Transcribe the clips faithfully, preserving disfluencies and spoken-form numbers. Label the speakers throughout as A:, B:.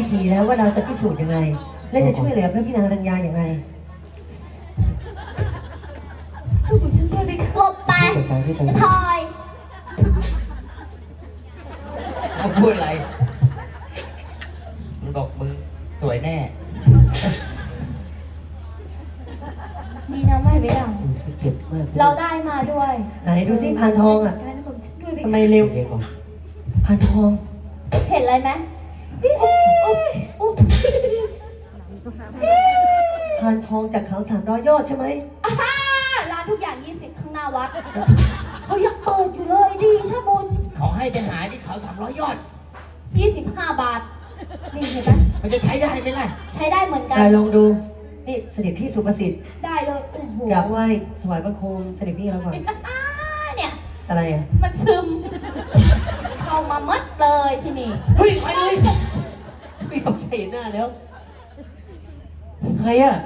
A: ธีแล้วว่าเราจะพิสูจน์ยังไงและจะช่วยเหลือพระพี่นางรัญญาอย่างไร
B: ช่วยฉันด้วยดิหลบไปทอย
C: เขาพูดอะไรมึงบอกมึงสวยแน่
B: ดีนะไม่ไปดังเราได้มาด้วย
A: ไหนดูสิพานทองอ่ะทำไมเร็วพานทอง
B: เห็นอะไรไหม
A: พานทองจากเขาสามร้อยยอดใช่ไหม
B: ร้านทุกอย่างยี่สิบข้างหน้าวัดเขายังเปิดอยู่เลยดีชะบุญ
C: เขาให้ไปหาที่เขาสามร้อยยอด
B: ยี่สิบห้าบาทนี่เห็นไหม
C: มันจะใช้ได้ไหมล่ะ
B: ใช้ได้เหมือนกัน
A: ลองดูนี่เสด็จพี่สุภสิทธิ์
B: ได้เลยโอ้โห
A: กราบไหว้ถวายบังคมเสด็จพี่เราก่อน
B: เนี่ย
A: อะไรอ่ะ
B: มันซึมเข้ามามัดเลยที่นี่
C: เฮ้ยไปเลยไม่ต้องใช้หน้าแล้วใครอ่ะ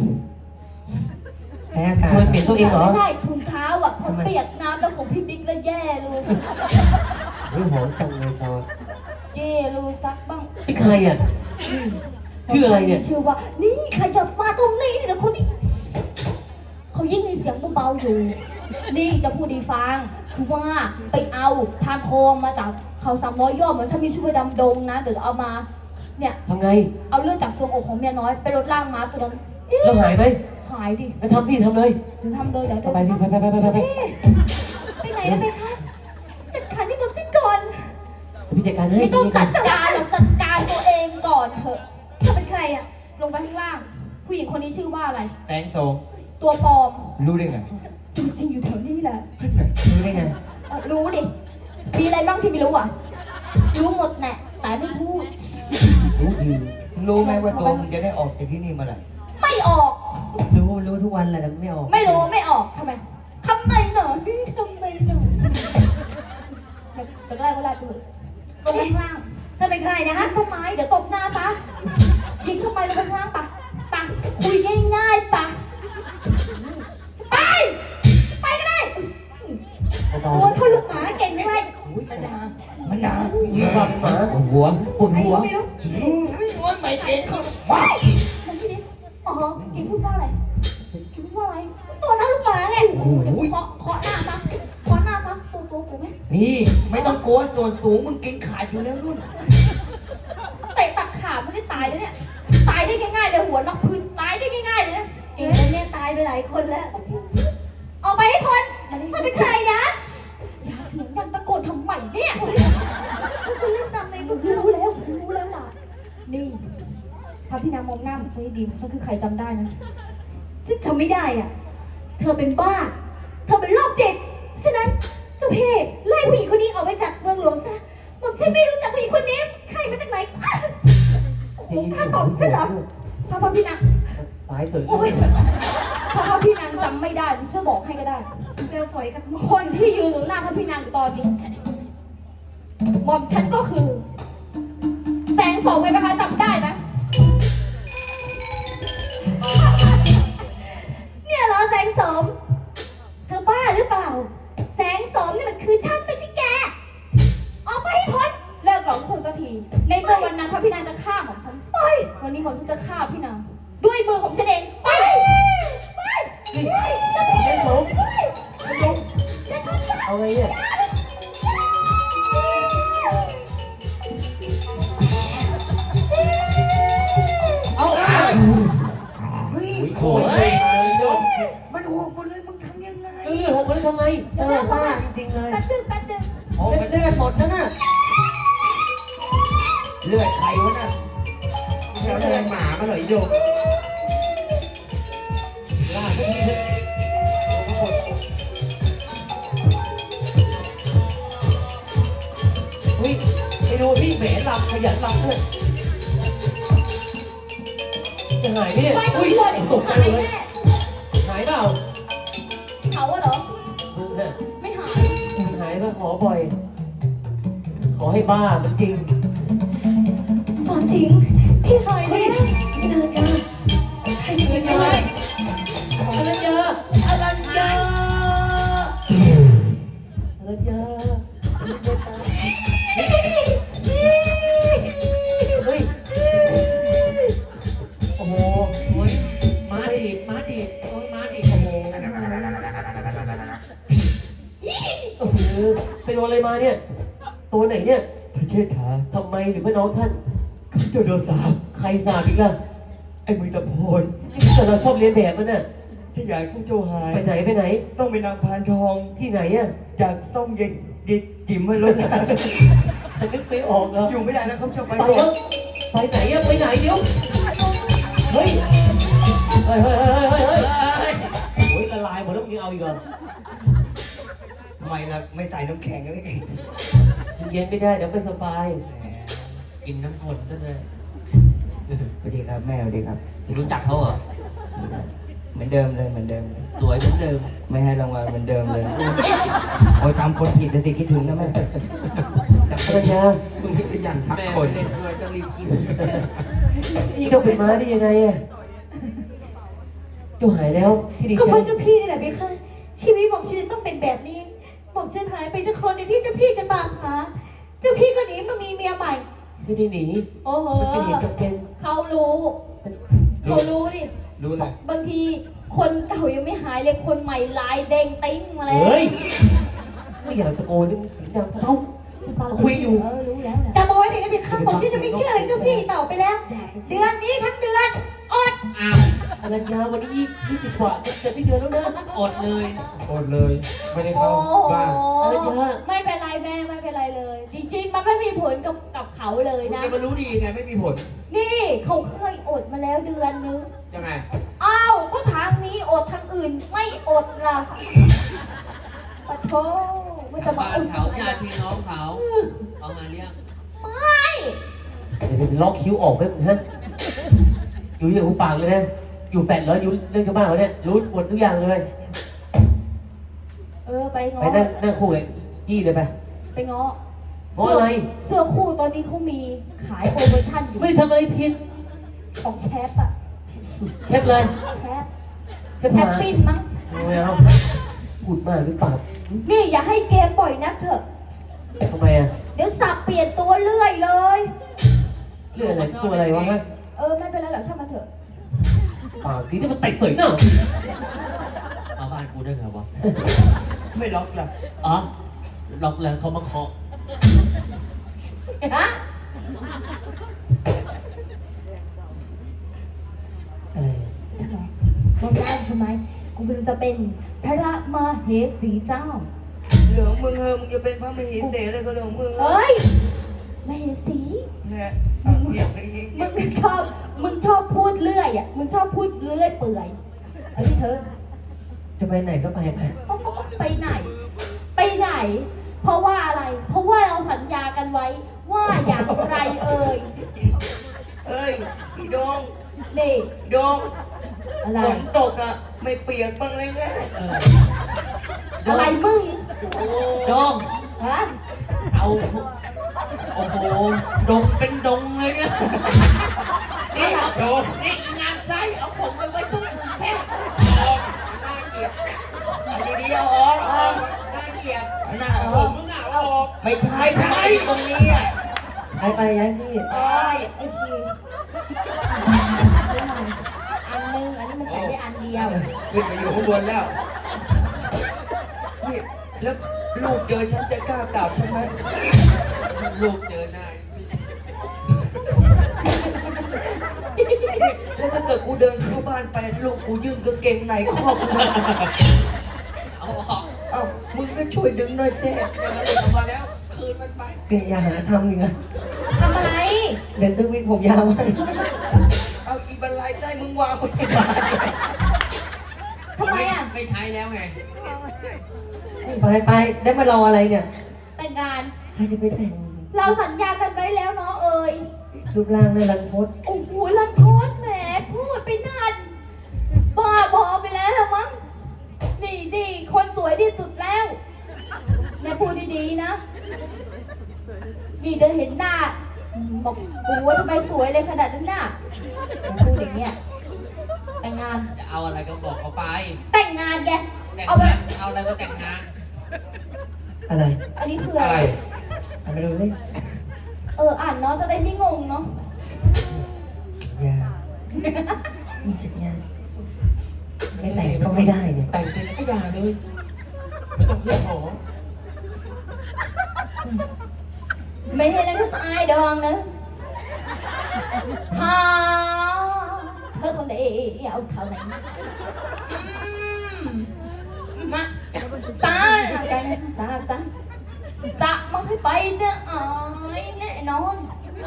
A: แพ้อากาศ
C: มันเปลี่ยนตัวเองเหรอ
B: ไม่ใช่ถุงเท้าอ่ะพอเปียกน้ำแล้วของพี่บิ๊กแล้วแย่เลย
A: เฮ้ยหอมจังเลยตอน
B: แย่เลยซักบ้าง
A: นี่ใครอ่ะชื่ออะไรเนี่ย
B: ชื่อว่านี่ใครจะมาตรงนี้เนี่ยคนที่เขายิ่งมีเสียงเบาๆอยู่นี่จะพูดดีฟังคือว่าไปเอาพานทองมาจากเขาสามร้อยยอดเหมือนฉันมีช่วยดำดงนะเดี๋ยวเอามาเนี่ย
A: ทำไง
B: เอาเลือดจากทรวงอกของเมียน้อยไปลดล่างม้าตัวนั้น
A: แล้วหายไหม
B: หายดิ
A: ไปทำสิทำเลย
B: เดี๋ยวทำเลยเดี๋ยว
A: ไปสิไปไปไปไปไปไป
B: ไปไหนแล้วไปคะจัดการที่น้องจิ้นก่อน
A: พี่จัดการให้
B: ไม่ต้องจัดการหรอกจัดการตัวเองก่อนเถอะเธอเป็นใครอะลงไปข้างล่างผู้หญิงคนนี้ชื่อว่าอะไร
C: แสงโสม
B: ตัวปลอม
C: รู้ได้ไง
B: จริงๆอยู่แถวนี้แหละ
A: รู้ได้ไง
B: รู้ดิมีอะไรบ้างที่ไม่รู้อ่ะรู้หมดแหละแต่ไม่พูด
C: รู้ดีรู้ไหมว่าตัวมึงจะได้ออกจากที่นี่เมื่อไหร่
B: ไม่ออก
A: รู้รู้ทุกวันแหละแต่ไม่ออก
B: ไม่รู้ไม่ออกทำไมทำไมหนอทำไมหนอแต่ก็ได้ก็ได้ไปเลยลงข้างล่างถ้าเป็นใครนะฮะต้นไม้เดี๋ยวตบหน้าปะยิงเข้าไปลงข้างล่างปะปะคุยง่ายๆปะไปไปก็ได้โอ้ยเขาลูกหมาเก่งเลย
C: มันด่ามันด่าเยอะมากหมาปวดหัวปวดหัวหัวไม่เก่งเขาว้าว
B: มันที่นี่อ๋อเก่งพูดว่าอะไรเก่งพูดว่าอะไรตัวนั้นลูกหมาไงเคาะเคาะหน้าซะเคาะหน้าซะตัวตัวกูไหม
C: นี่ไม่ต้องกลัวส่วนสูงมึงเก่งขาดอยู่แล้วนุ่น
B: เตะตักขาไม่ได้ตายเลยเนี่ยตายได้ง่ายๆเลยหัวนอกพื้นตายได้ง่ายๆเลยนะเก่งเนี่ยตายไปหลายคนแล้วออกไปให้พ้นถ้าเป็นใครนะอย่าเสียงดังตะโกนทำไมเนี่ยคุณเล่นตามในคุณรู้แล้วรู้แล้วล่ะนี่พระพี่นางมองหน้าเหมือนใช่ดีฉันคือใครจำได้นะฉันจำไม่ได้อ่ะเธอเป็นบ้าเธอเป็นโรคจิตฉะนั้นเจ้าพี่ไล่ผู้หญิงคนนี้ออกไปจากเมืองหลวงซะผมฉันไม่รู้จักผู้หญิงคนนี้ใครมาจากไหนผมฆ่าตอบฉันเหรอพระพี่นาง
A: สายเสือ
B: ถ้าพระพี่นางจำไม่ได้ผมจะบอกให้ก็ได้เร็วสวยกันคนที่ยืนอยู่หน้าพระพี่นางอยู่ตอนนี้หม่อมฉันก็คือแสงโสมไงนะคะจำได้ไหมเนี่ยเหรอแสงโสมเธอบ้าหรือเปล่าแสงโสมนี่มันคือฉันไม่ใช่แกออกไปให้พ้นเลิกหลอกคนสักทีในเมื่อวันนั้นพระพี่นางจะฆ่าหม่อมฉันไปวันนี้หม่อมฉันจะฆ่าพี่นางด้วยมือของฉันเองไปไปไปจะพี่
A: เอาไงเนี่ย
C: เอาเฮ้ยโหยมันหกหมดเลยมึงทำยังไง
A: เออหกหมดเลยทำไงเจ้าซ่าจริงๆเลย
B: แป๊บนึงแป๊บนึง
A: โอ้เป็นเลือดหมดแล้วน่ะ
C: เลือดใครวะน่ะ
A: เลือดหมามาหน่อยโยล่าทุกทีเฮ้ยไปดูพี่แหมหลับขยันหลับเลยจะหายไหมเนี่ยอุ้ยตกใจเลยหายเปล่า
B: เขาอะเหรอไม่หาย
A: หายมาขอบ่อยขอให้บ้ามันจริงสอนสิงพี่หายเลยไม่นานกันใครจะยังไงอรัญญาอรัญญาอรัญญาเฮ้ยอะไรมาเนี่ย ตัวไหนเนี่ย
C: พระเชษฐา
A: ทำไมหรือว่าน้องท่าน
C: ข้าเจ้าโดนสาป
A: ใครสาบอีกล่ะ
C: ไอ้มือตะโพน
A: แต่เราชอบเรียนแบบมันน่ะ
C: ที่อยากข้าเจ้าหาย
A: ไปไหนไปไหน
C: ต้องไปนำพานทอง
A: ที่ไหนอ่ะ
C: จากซ่องเย็นดิจิ๋มมาลงมา
A: ฉันนึกไม่ออกเหรอ
C: อยู่ไม่ได้แล้วเขาจะไป
A: ไป
C: ก่อ
A: แล้
C: น
A: วไปไหนอ่ะไปไหนเดี๋ยวเฮ้ยเฮ้ยเฮ้ยเฮ้ยเฮ้ยเฮ้ยโอ้ยละลายหมดแล้วมึงยังเอาอีกเหรอ
C: ทำไมล่ะไม่ใส่น้ำแข็งแล้วไง
A: เย็นไม่ได้เดี๋ยวไม่สบาย
D: กินน้ำฝนก็เลย
C: สวัสดีครับแม่สวัสดีครับ
D: รู้จักเขาเหรอ
C: เหมือนเดิมเลยเหมือนเดิมเลย
D: สวยเหมือนเดิม
C: ไม่ให้รางวัลเหมือนเดิมเลย โอ้ยทำคนผิดแต่สิคิดถึงนะแม่
A: ภรรยา
D: มึงขยันทักคนเล่นด้วยต้องรีบขึ้น
A: พี่ต้องเป็นม้าได้ยังไงอ่ะเจ้าหายแล้วพี่ดี
E: ก็
A: ใจ
E: เพราะเจ้าพี่นี่แหละเบค่ะชีวิตผมฉันต้องเป็นแบบนี้ผมฉันหายไปทุกคนในที่เจ้าพี่จะตามหา เจ้าพี่ก็หนีมามีเมียใหม่
A: ไม่ได้หนี
B: โอ้โห
A: มันเป็นเหตุจำเป็น
B: เขารู้เขารู้ดิ
C: รู้เลย
B: บางทีคนเก่ายังไม่หายเลยคนใหม่ลายเด้งติ้งมาแล้ว
A: เฮ้ยไม่อยากตะโกนนี่มันเสียงดังเบาคุยอยู่
B: เออรู้แล้วแหละ
E: จำเอาไว้เลยนะเบค่ะผมที่จะไม่เชื่อเลยเจ้าพี่ต่อไปแล้ว เดือนนี้ทั้งเดือนอด
D: อ้าว
A: ภรรยาวันนี้ยี่ยี่สิบกว่าจะจะไม่เดือนแล้วนะ
D: อดเลย
F: อดเลย ไม่ได้
B: โอ้
F: เข้า
B: โห
F: บ้าน
A: อะไรเยอะ
B: ไม่เป็นไรแม่ไม่เป็นไรเลย จริงๆ มันไม่มีผลกับกับเขาเลย
F: คุณ
B: นะ
F: จะมารู้ดีไงไม่มีผล
B: นี่เขาเคยอดมาแล้วเดือนนึง
F: ยังไง
B: อ้าว ก็ทางนี้อดทางอื่นไม่อดล่ะปะโถไม่จะมา
D: บ้า
B: อน ด
D: เขาญาติพี่น้องเขาเอามาเลี้ยง
B: ไม่
A: เดี๋ยวล็อกคิ้วออกไปมึงฮะอยู่ที่หูปากเลยนะ อยู่แฟดเหรออยู่เรื่องชาวบ้านเหรอเนี่ยรู้หมดทุกอย่างเลย
B: เออไปง้
A: ไป
B: อ
A: นั่งนั่งคู่กับจี้เลยไป
B: ไปง้อ
A: ง้ออะไร
B: เสื้อคู่ตอนนี้เขามีขายโปรโมชั่นอยู่
A: ไม่ได้ทำอะไรผิด
B: ของแชปอะ
A: เชฟเลย
B: แชป
A: เชฟ
B: แช
A: ห
B: ป
A: มา
B: ปิ้นมั้ง
A: ไม่เอาพูดมากหรือเปล่า
B: นี่อย่าให้เกมบ่อยนักเถอะ
A: ทำไมอ่ะ
B: เดี๋ยวสับเปลี่ยนตัวเรื่อยเลย
A: เรื่องอะไรตัวอะไรวะฮะ
B: เออไม่เป็นไรหรอกช่างมันเถอะ
A: ปากดีที่มันเตะเสยหน้า
D: เอาบ้านกูได้ไงวะ
C: ไม่ล็อกล่ะ
D: อ๋อล็อกแล้วเขามาเคาะ
B: ฮะ
A: อะไร
B: ทำไมบอกได้ทำไมกูเป็นจะเป็นพระมาเหสีเจ้า
C: เหลืองมึงเออมึงจะเป็นพระมเหสีเลยก็เรื่องของมึงเออ
B: เฮ้ยมเหสี
C: เนี่ยอ่ะเงียบไปอย่างงี้
B: มึงชอบ มึงชอบพูดเรื่อยอ่ะ มึงชอบพูดเรื่อยเปื่อยเอ้ยเธอ
A: จะไปไหนก็ไปไป
B: ไปไหน ไปไหน เพราะว่าอะไร เพราะว่าเราสัญญากันไว้ว่าอย่างไรเอ่ย
C: เอ้ยอีดง
B: นี่
C: อีดง
B: อะไร
C: ฝนตกอ่ะ ไม่เปียกบ้างเลยไง
B: อะไรมึง
D: โดง
B: ฮะ
D: เอาโอ้โหดงเป็นดงเลยเนี่ยนี่เอาโดงนี่อีงามไส้เอาผมไปไว้ตรงอื่นแค่
C: น่าเกลียดเอาดีๆเอาออก
B: เออ
C: น่าเกลียดเอาหน้า
D: ผ
C: ออก
D: มมึงเอาออก
C: ไม่ใช่ทำไมตรงนี้อ่ะ
A: ไปไปย้ายที่
C: ตาย
B: ไอ้คีอันหนึง อันนี้มันใส่ได้อันเดียว
F: ขึ้นไปอยู่ข้างบนแล้ว
C: นี่แล้วลูกเจอฉันจะกล้ากราบฉันไหม
D: ลูกเจอหน้า
C: แล้วถ้าเกิดกูเดินเข้าบ้านไปลูกกูยื่นกางเกงในครอบกูนะ
D: เอาออก
C: เอ้ามึงก็ช่วยดึงหน่อยสิ
D: เดี๋ยวมันลงมาแล้ว คืนมันไป
A: เกลียอย่าหาทำอีกนะ
B: ทำอะไร
A: เดินตึ้งวิกผมยาวมาก
C: เอาอีบันไลไส้มึงวางไว้ที่บ้าน
B: ทำไมอ่ะ
D: ไม่ใช้แล้วไง
A: ไปไปได้มารออะไรเนี่ย
B: แต่งงาน
A: ใครจะไปแต่ง
B: เราสัญญากันไว้แล้วเนาะเอ่ย
A: รูปร่างน่ารังพด
B: โอ้โหลันโทษแหมพูดไปนั่นบ้าบอไปแล้วมั้ง นี่ดีคนสวยที่สุดแล้วเนี่ยพูดดีๆนะ นี่จะเห็นหน้าอืมบอกกูว่าทำไมสวยเลยขนาดนั้นน่ะพูดอย่างเงี้ย แต่งงาน
D: จะเอาอะไรก็บอกเขาไป
B: แต่งงานแก
D: แต่ง
B: เอาไป
D: งานเอาอะไรก็แต่งงาน
A: อะไร
B: อันนี้คือ
F: อะ
B: อะไร ไร
A: อะไรดูสิ
B: เอออ่านเนาะจะได้ไม่งงเนาะ
A: ยามีสัญญาไม่แต่งก็ไม่ได้เนี่ย
F: แต่งเสร็จแล้วก็อย่าเลย ไม่ต้องเคลื่อนหอ
B: ไม่ใช่แล้วก็ตายดองนะฮาเธอคนเดียวเอาเท่าไหร่มาตายกันตาตาจะมันให้ไปเนี่ยอายแน่นอน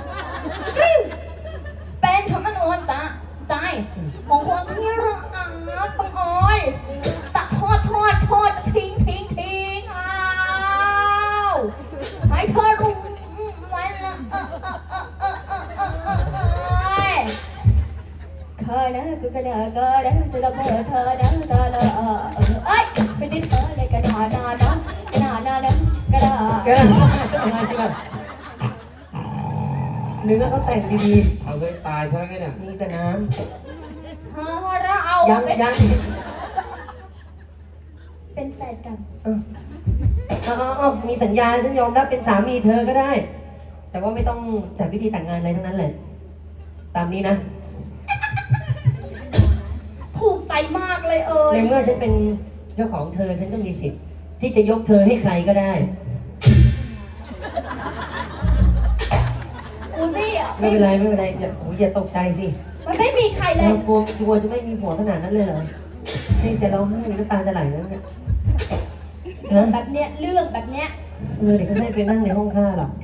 B: เป็นคำมันอ่อนจ้าใจของคนที่รักปังอ้อยตะทอดทอดทอดทิ้งทิ้งทิ้งอ้าวให้เธอรู้ไว้ละเออเออเออเออเออเออเออเออเคยนะกูก็เด้อก็เด้อกูก็เด้อเธอเด้อเธอเด้อเออเอ้ยไปติดเธอเลยกระดาษดาดกระดาษดาดกระดาษ
A: แกอะไรกันเนื้อเขาแต่งดี
F: เอาเลยตายซะแล้วไงเนี่ย
A: ๆมีแต่น้
B: เออเราเอา
A: ำยัง
B: เป็น
A: ยัง
B: เป็นแฟนกัน
A: เออเอาเอาเอามีสัญญาฉันยอมรับเป็นสามีเธอก็ได้ แต่ว่าไม่ต้องจัดพิธีแต่งงานอะไรทั้งนั้นเลยตามนี้นะ
B: ถูกใจมากเลยเอ่ย
A: ในเมื่อฉันเป็นเจ้าของเธอฉันก็มีสิทธิ์ที่จะยกเธอให้ใครก็ได้
B: คุณพี่อ่ะ
A: ไม่เป็นไรไม่เป็นไรอย่าโอ้ยอย่าตกใจสิ
B: มันไม่มีใครเลย
A: เรากลัวกลัวจะไม่มีผัวขนาดนั้นเลยเหรอให้จะร้องไห้น้ำตาจะไหลแล้วเนี่ย
B: เรื่อง
A: นะ
B: แบบเนี้ยเรื่องแบบเนี้ย
A: เออเดี๋ยวเขาให้ไปนั่งในห้องข้าหรอก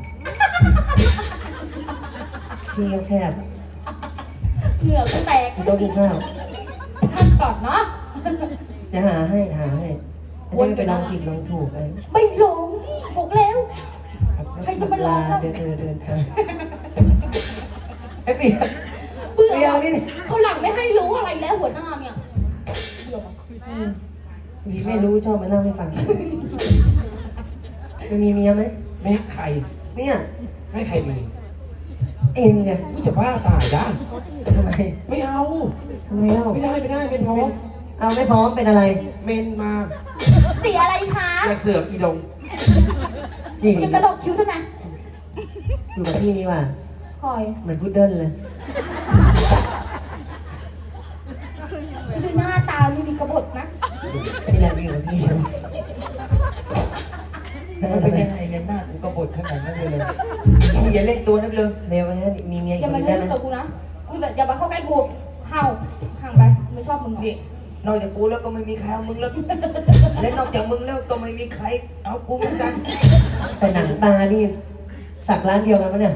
A: ที่แคบ
B: เหงื่อก็แตก
A: ๆโต๊ะกินข้าว
B: ท่านก่อนเนาะ
A: เดี๋ยวหาให้หาให้อันนี้ไปลองผิดลองถูกเลย
B: ไม่หลงนี่บอกแล้ว ใครจะมาลอง
A: เดินเดินเดินทางไอ้เปียก
B: เบื่อ
A: เปียกนี่
B: เขาหลังไม่ให้รู้อะไรแล้วหัวหน้าเนี่ยเบื่อ
A: มีไม่รู้ชอบมาเล่าให้ฟังมันมีเมียไหม
F: ไม่ให้ใคร
A: เนี่ย
F: ให้ใครมี
A: เองไง
F: กูจะบ้าตายได้
A: ทำไม
F: ไม่เอา
A: ทำไมเล่า
F: ไม่ได้ไม่ได้ไม่พร้อม
A: เอาไม่พร้อมเป็นอะไร
F: เมนมา
B: เสียอะไรคะ
F: อย่าเสือกอีดง
A: นี่
B: อย่ากระดกคิ้วทำไม
A: อยู่กับพี่นี่ว่ะ
B: คอย
A: เหมือนพุดเดิ้ลเลย
B: ดูหน้าตาไม่มีกระบดนะ
A: นี่แหละอยู่กับพี่
C: มันเป็นยังไงเนี่ยหน้ากูกบฏขนาดนั้นเลยเลยมึงอย่าเล่นตัวนักเลย
A: เมลไว้นะมีเมีย
B: อ
A: อีก
B: ย่า
A: ค
B: มาน
A: ได้
B: เล่น
A: ไหม
B: กับกูนะกูจะอย่ามาเข้าใกล้กูเห่าห่างไปไม่ชอบมึงหรอก
C: นี่นอกจากกูแล้วก็ไม่มีใครเอามึงแล้วและนอกจากมึงแล้วก็ไม่มีใครเอากูเหมือนกัน
A: แต่หนังตานี่สักร้านเดียวกันปะเนี่ย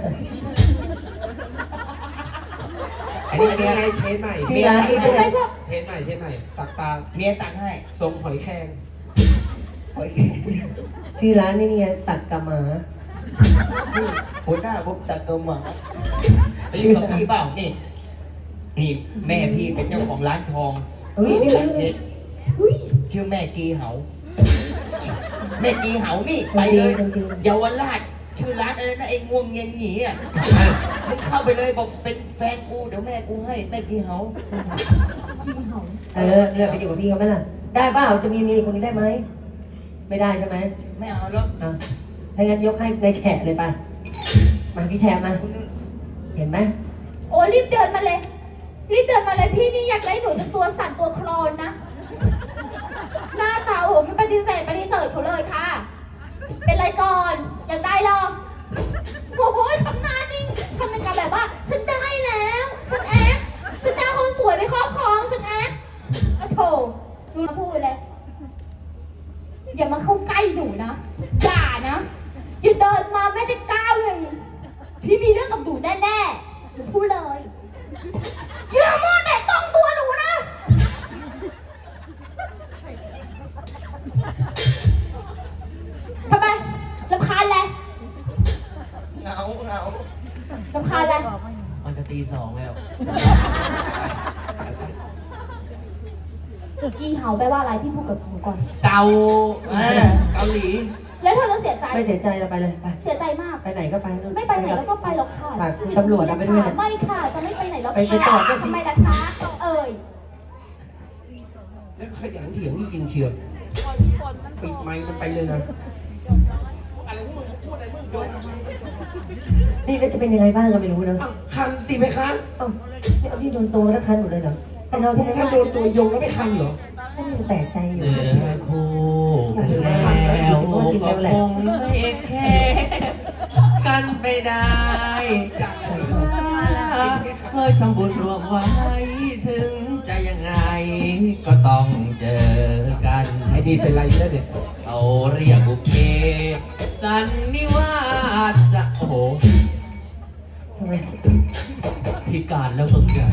F: อันนี้เป็นไงเทสใหม่
A: ชื่อร้านนี้เป็นไง
B: ไม่ชอบ
F: เทสใหม่เทสใหม่สักตา
C: เมียตัดให้
F: ทรงหอยแครง
C: โอเค
A: ชื่อร้านนี่เนี่ยสักกะหมา
C: นี่หัวหน้าผมสักตัวหมาอยู่กับพี่เปล่านี่นี่แม่พี่เป็นเจ้าของร้านทอง
A: เฮ้ยนี่
C: ร้านเพชรชื่อแม่กีเหาแม่กีเหานี่ไปเลย
A: จริง
C: เยาวราชชื่อร้านอะไรนะไอ้ง่วงเงียนหงีอ่ะมึงเข้าไปเลยบอกเป็นแฟนกูเดี๋ยวแม่กูให้แม่กีเหา
A: เออเลือกไปอยู่กับพี่เขาไหมล่ะ ได้เปล่าจะมีเมียคนนี้ได้ไหม ไม่ได้ใช่ไหม
C: ไม่เอาแล้ว
A: อ่ะถ้างั้นยกให้ในแฉะเลยไปมาพี่แฉะมา เห็นไหม
B: โอ้รีบเดินมาเลยรีบเดินมาเลยพี่นี่อยากได้หนูจนตัวสั่นตัวโคลนนะหน้าตาโอ้โหไม่ปฏิเสธปฏิเสธเขาเลยค่ะ เป็นไรก่อนอยากได้หรอโอ้โหทำหน้านิ่งทำเป็นกับแบบว่า ฉันได้แล้วฉันแอ๊กฉันได้คนสวยไปครอบครองฉันแอ๊กโอ้โถดูนะพูดเลยอย่ามาเข้าใกล้หนูนะด่านะอย่าเดินมาแม้แต่ก้าวหนึ่งพี่มีเรื่องกับหนูแน่ๆหนูพูดเลยอย่ามาแตะต้องตัวหนูนะทำไมรำคาญเลย
C: เหงาเหงาร
B: ำคาญเลย
D: มันจะตีสองแล้ว
B: กีเห่าแปลว่าอะไรพี่พูดกับหนูก่อน
D: เกา
C: อ่า
D: เกาหลี
B: แล้วเธอจะเสียใจ
A: ไม่เสียใจเราไปเลยไป
B: เสียใจมาก
A: ไปไหนก็ไปนู่น
B: ไม่ไปไหนแล้วก็ไปหรอกค่ะ
A: ฝากคุณตำรวจเอาไปด้วยนะ
B: ไม่ค่ะจะไม่ไปไหนแล้ว
A: ไปไปต่อก็สิ
B: ทำไมล่ะคะ เอ่ย
F: แล้วขยันเถียงจริงๆเชียวปิดไมค์มันไปเลยนะ
A: นี่แล้วจะเป็นยังไงบ้างก็ไม่รู้นะ
F: อ้าวคันสิไหมคะ
A: เอ้านี่เอาที่โดนตัวแล้วคันหมดเลยเหรอ แต่เรา
F: ผ
A: ที่
F: ม
A: ไม่
F: ถ้า
A: ว่า
F: โดนตัวยงแล้วไม่คันเหรอ
A: ก็ยังแปลกใจอยู่
D: เนื้อคู่กันแล้วก็คงไม่แค่กันกันไปได้เคยทำบุญรวมไว้ถึงจะยังไงก็ต้องเจอกัน
F: ไอ้นี่เป็นไรแล้วเนี่ย
D: เขาเรียกบุพเพสันนิวาสจะโอ้โห
A: ทำไม
D: พิการแล้วมึงเนี่ย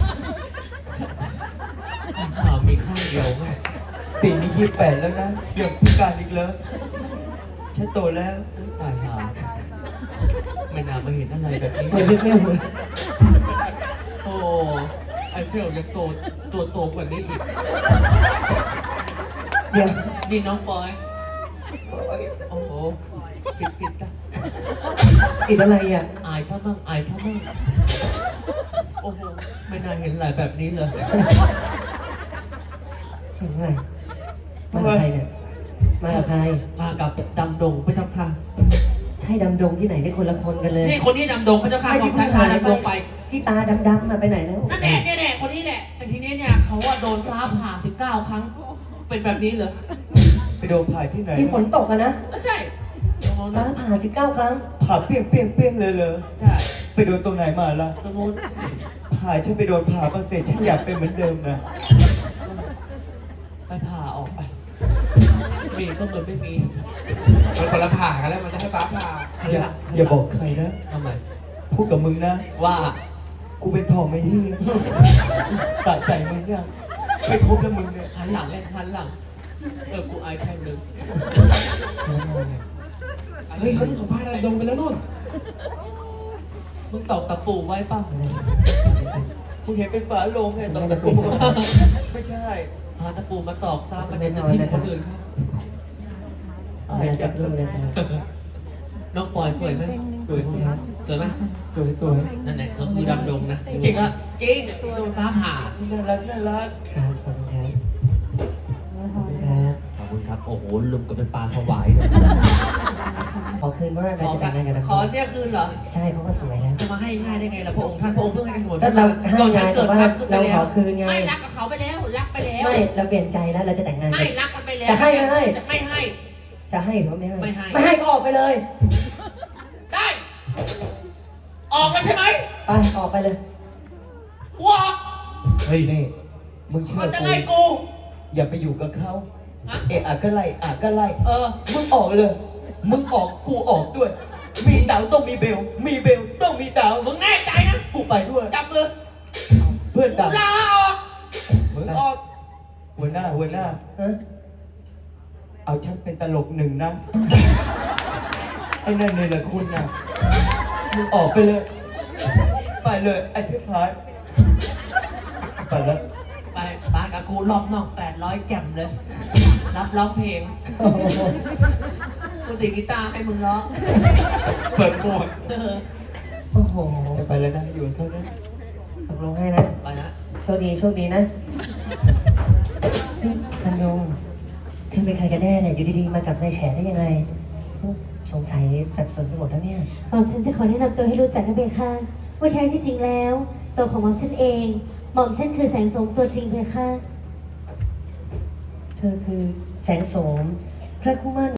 D: อ่ามีข้างเดียวไง
C: ปีนี้ยี่สิบแปดแล้วนะยังพิการอีกเลยฉันโตแล้ว
D: ตายหาไม่น่ามาเห็นอะไรแบบนี้
A: เหมือนพี่เฟลเลย
D: โอ้ไอเฟลยังโตตัวโตกว่านี้อีก
A: เดี๋ยว
D: นี่น้องปอย โอ้โหปิดปิดจ้ะ
A: ติดอะไรอ่ะ
D: อายเขาบ้างอายเขาบ้างโอ้โหไม่น่าเห็นอะไรแบบนี้เลย
A: เห็นไงมากับใครเนี่ยมากับใคร
D: มากับดำดงพระเจ้าค่ะ
A: ใช่ดำดงที่ไหนได้คนละคนกันเลย
D: นี่คนนี้ดำดงพระเจ้าค่ะ
A: ไม่
D: ข
A: ที่
D: องฉั
A: เพิ่
D: น
A: ง
D: พา
A: หาย
D: ดำดงไป
A: ที่ตาดำๆมาไปไหนแล้ว
D: นั่นแหละเนี่ยแหละคนนี้แหละ แต่ทีนี้เนี่ยเขาว่าโดนฟ้าผ่าสิบเก้าครั้ง เป็นแบบนี้เลย
C: ไปโดนผ่าที่ไหน
A: ที่ฝนตกอะนะ
D: ก็ใช่ตรงโน้น
A: ฟ้า
D: นะ
A: ผ่าสิบเก้าครั้ง
C: ผ่าเปี้ยงเปี้ยงเปี้ยงเลยเลย
D: ใช่
C: ไปโดนตรงไหนมาล่ะ
D: ตรงโน้น
C: ผ่าฉันไปโดนผ่ามาเสร็จฉันอยากเป็นเหมือนเดิมนะ
D: ไปผ่าออกไป มีก็เหมือนไม่มี
F: มันคนละผ่ากันแล้วมันจะให้ฟ้าผ่า
C: อย่าอย่าบอกใครนะ
D: ทำไม
C: พูดกับมึงนะ
D: ว่า
C: กูเป็นทองไม่ที่ตัดใจมึงยังไม่ครบแล้วมึงเนี่ย
D: หันหลังเล่นหันหลัง เออ กูอายแค่นึง
F: เฮ้ยเขาเขาพาดำดงไปแล้วนู่น
D: มึงตอกตะปูไว้ป่ะ
C: มึงเห็นเป็นฝาโลงไงตอนตะปูไม่ใช่
D: หาตะปูมาตอกซ้ำมันจะทิ้งคนอื่นเขา
C: อาย
A: อาจ
C: จั
A: จะ
C: ง
A: รุ่งเลยครับ
D: น้องปอยสวยไหม
C: สวยสิ
D: สวยไหม
C: สวยสวย
D: นั่นแหละก็คือดำดงนะ
C: จริงอ่ะ
D: จริงโดนฟ้าผ่า
C: น่ารักน่ารัก
A: ครับขอบคุณครับขอบคุณครับ
D: ขอบคุณครับ โอ้โห ลุมก็เป็นปลาถวายเลย
A: ขอคืนเพราะว่า
D: ข
A: เรา
D: อ
A: จะแต่งงานกันนะ
D: ขอเนี่ยคืนเหรอ
A: ใช่เพราะว่าสวยแล้ว
D: จะมาให้ง่ายได้ไงล่ะพระองค์ท่านพระองค์เพิ่งให้กันหมด
A: ก็เราให้
D: ก็ฉัน
A: ไง
D: เกิด
A: แต่ว่า
D: ทันขึ้นไปแล้ว
A: เราขอคืนไง
D: ไม่รักกับเขาไปแล้ว รักไปแล้ว
A: ไม่เราเปลี่ยนใจแล้วเราจะแต่งงาน
D: ไม่
A: กัน
D: รักกันไปแล้ว
A: จะให้ไม่ให้
D: ไม่ให้
A: จะให้หรือว่าไม่ให้
D: ไม่ให้
A: ไม่ให้ก็ออกไปเลย
D: ได้ ออกแล้วใช่ไหม
A: ไปออกไปเลย
D: กูออก
C: เฮ้ยนี่มึงเชื่
D: เขา
C: อ
D: จะ
C: กู
D: ไล่กู
C: อย่าไปอยู่กับเขา
D: ฮะ
C: เอะอะก็ไล่อะก็ไล่
D: เออ
C: มึงออกเลย มึงออกกูออกด้วย มีเต๋าต้องมีเบล มีเบลต้องมีเต๋า
D: มึงแน่ใจนะ
C: กูไปด้วย
D: จับมือ
C: เพื่อน
D: กู
C: เต๋า
D: ลาออก
C: มึงออกหัวหน้าหัวหน้า
A: ฮะ
C: เอาฉันเป็นตลกหนึ่งนะ ไอ้นั่นเนี่ยแหละคุณนะมึงออกไปเลย ไปเลยไอ้เทพพายไปแล้ว
D: ไปปากับกูรอบนอกแปดร้อยแจ่มเลย รับร้องเพลง
A: โอ้โห
D: กูตีกีตาร์ให้มึงร้อง
F: เปิดหมวก
D: เออ
A: โอ้โห
C: จะไปแล้วนะอยู่กับเขานะ
A: ตกลงให้นะ
D: ไปนะ
A: โชคดีโชคดีนะนี่พันยงเธอเป็นใครกันแน่เนี่ยอยู่ดีๆมากับนายแฉได้ยังไง สงสัยสับสนไปหมดแล้วเนี่ย
B: หม่อมฉันจะขอแนะนำตัวให้รู้จักนะเบค่ะว่าแท้ที่จริงแล้ว ตัวของหม่อมฉันเอง หม่อมฉันคือแสงโสมตัวจริงเบค่ะ
A: เธอคือแสงโสม พระคู่มั่น